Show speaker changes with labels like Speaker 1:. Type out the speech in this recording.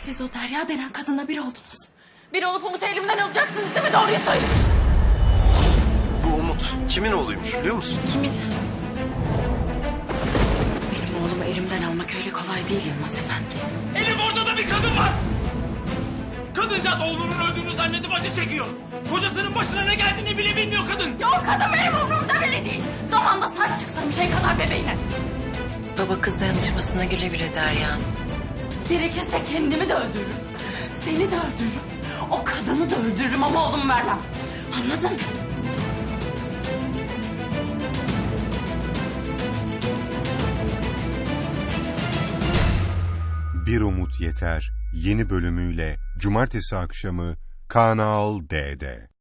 Speaker 1: Siz o Derya denen kadınla bir oldunuz. Bir olup Umut'u elimden alacaksınız değil mi? Doğruyu söyleyin.
Speaker 2: Bu Umut kimin oğluymuş biliyor musun?
Speaker 1: Kimin? Benim oğlumu elimden almak öyle kolay değil Yılmaz Efendi.
Speaker 3: Elif, orada da bir kadın var. Kadıncağız oğlunun öldüğünü zannedip acı çekiyor. Kocasının başına ne geldiğini bile bilmiyor kadın.
Speaker 1: Ya o kadın benim umurumda bile değil. Zamanda saç çıksın şey kadar bebeğine.
Speaker 4: Baba kız dayanışmasına güle güle Derya.
Speaker 1: Gerekirse kendimi de öldürürüm. Seni de öldürürüm. O kadını da öldürürüm ama oğlumu vermem. Anladın?
Speaker 5: Bir Umut Yeter yeni bölümüyle Cumartesi akşamı Kanal D'de.